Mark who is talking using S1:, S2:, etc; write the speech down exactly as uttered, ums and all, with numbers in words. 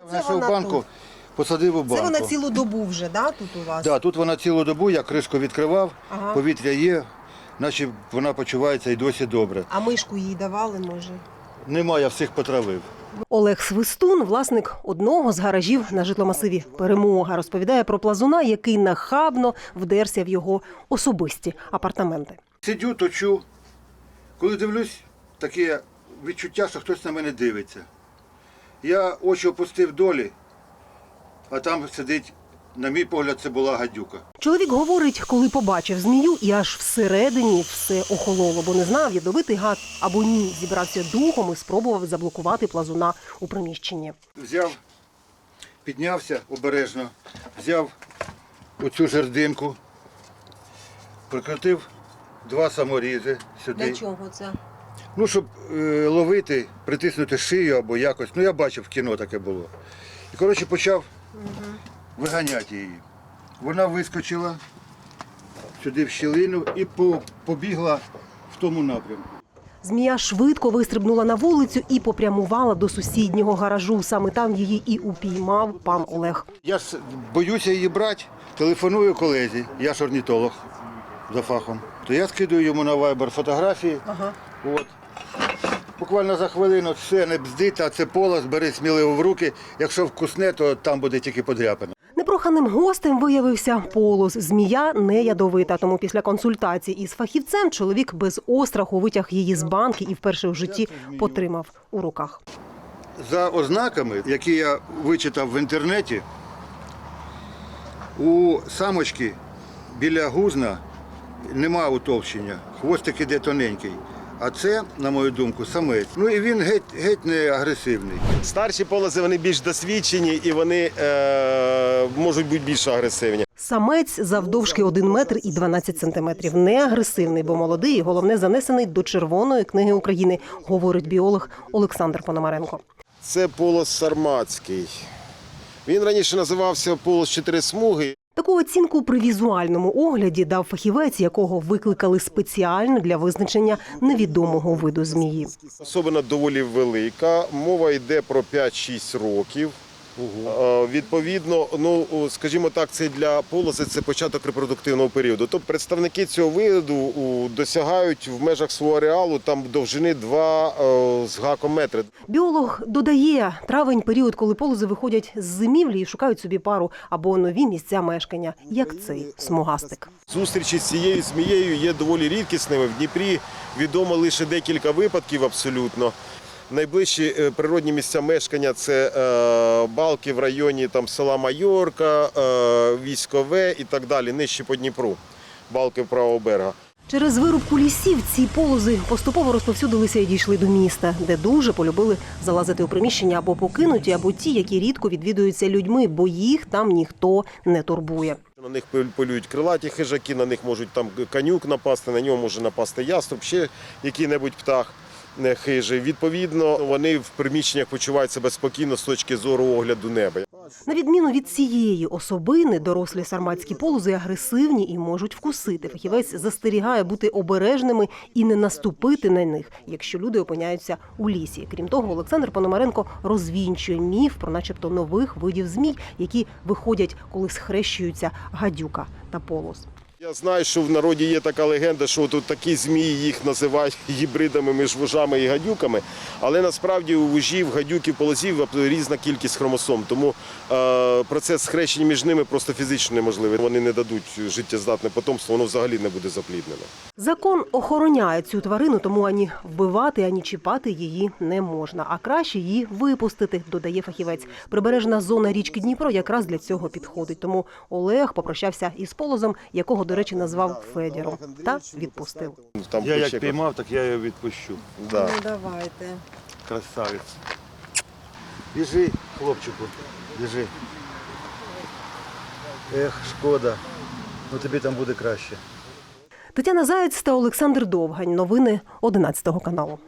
S1: Знайшов банку, тут. Посадив у банку.
S2: Це вона цілу добу вже, да, тут у вас?
S1: Так, да, тут вона цілу добу, я кришку відкривав,
S2: ага.
S1: повітря є, наче вона почувається і досі добре.
S2: А мишку їй давали, може?
S1: Нема, я всіх потравив.
S3: Олег Свистун – власник одного з гаражів на житломасиві «Перемога». Розповідає про плазуна, який нахабно вдерся в його особисті апартаменти.
S1: Сидю, точу. Коли дивлюсь, таке відчуття, що хтось на мене дивиться. Я очі опустив долі, а там сидить, на мій погляд, це була гадюка.
S3: Чоловік говорить, коли побачив змію, і аж всередині все охололо, бо не знав, ядовитий гад або ні. Зібрався духом і спробував заблокувати плазуна у приміщенні.
S1: Взяв, піднявся обережно, взяв оцю жердинку, прикрутив два саморізи сюди.
S2: Для чого це?
S1: Ну, щоб е, ловити, притиснути шию або якось. Ну, я бачив, в кіно таке було. І, коротше, почав угу. виганяти її. Вона вискочила сюди в щілину і побігла в тому напрямку.
S3: Змія швидко вистрибнула на вулицю і попрямувала до сусіднього гаражу. Саме там її і упіймав пан Олег.
S1: Я ж боюся її брати, телефоную колезі, я ж орнітолог за фахом. То я скидаю йому на вайбер фотографії. Ага. От. Буквально за хвилину все не бздить, а це полос, бери сміливо в руки. Якщо вкусне, то там буде тільки подряпина.
S3: Непроханим гостем виявився полос. Змія не ядовита, тому після консультації із фахівцем чоловік без остраху витяг її з банки і вперше в житті потримав у руках.
S1: За ознаками, які я вичитав в інтернеті, у самочки біля гузна нема утовщення, хвостик іде тоненький. А це, на мою думку, самець. Ну і він геть, геть не агресивний.
S4: Старші полози, вони більш досвідчені і вони е, можуть бути більш агресивні.
S3: Самець завдовжки один метр і дванадцять сантиметрів. Не агресивний, бо молодий і, головне, занесений до Червоної книги України, говорить біолог Олександр Пономаренко.
S4: Це полос сарматський. Він раніше називався полос чотири смуги.
S3: Таку оцінку при візуальному огляді дав фахівець, якого викликали спеціально для визначення невідомого виду змії.
S4: Особина доволі велика, мова йде про п'ять-шість років. Угу. Відповідно, ну, скажімо так, це для полоси це початок репродуктивного періоду. Тобто представники цього виду досягають в межах свого ареалу там довжини два з гаком метри.
S3: Біолог додає, травень – період, коли полози виходять з зимівлі і шукають собі пару або нові місця мешкання, як цей смугастик.
S4: Зустрічі з цією змією є доволі рідкісними. В Дніпрі відомо лише декілька випадків абсолютно. Найближчі природні місця мешкання – це е, балки в районі там, села Майорка, е, Військове і так далі, нижче по Дніпру, балки правого берега.
S3: Через вирубку лісів ці полози поступово розповсюдилися і дійшли до міста, де дуже полюбили залазити у приміщення або покинуті, або ті, які рідко відвідуються людьми, бо їх там ніхто не турбує.
S4: На них полюють крилаті хижаки, на них можуть там канюк напасти, на нього може напасти яструб, ще який-небудь птах хижий. Відповідно, вони в приміщеннях почувають себе спокійно з точки зору огляду неба.
S3: На відміну від цієї особини, дорослі сарматські полози агресивні і можуть вкусити. Фахівець застерігає бути обережними і не наступити на них, якщо люди опиняються у лісі. Крім того, Олександр Пономаренко розвінчує міф про начебто нових видів змій, які виходять, коли схрещуються гадюка та полос.
S4: Я знаю, що в народі є така легенда, що тут такі змії, їх називають гібридами між вужами і гадюками, але насправді у вужів, гадюків, полозів різна кількість хромосом, тому е, процес схрещення між ними просто фізично неможливий. Вони не дадуть життєздатне потомство, воно взагалі не буде запліднено.
S3: Закон охороняє цю тварину, тому ані вбивати, ані чіпати її не можна, а краще її випустити, додає фахівець. Прибережна зона річки Дніпро якраз для цього підходить, тому Олег попрощався із полозом, якого, до речі, назвав Федіром, та відпустив.
S1: Там я як піймав, так я його відпущу.
S4: Да.
S2: Ну, давайте.
S1: Красавець. Біжи, хлопчику, біжи. Ех, шкода, ну тобі там буде краще.
S3: Тетяна Заєць та Олександр Довгань. Новини одинадцятого каналу.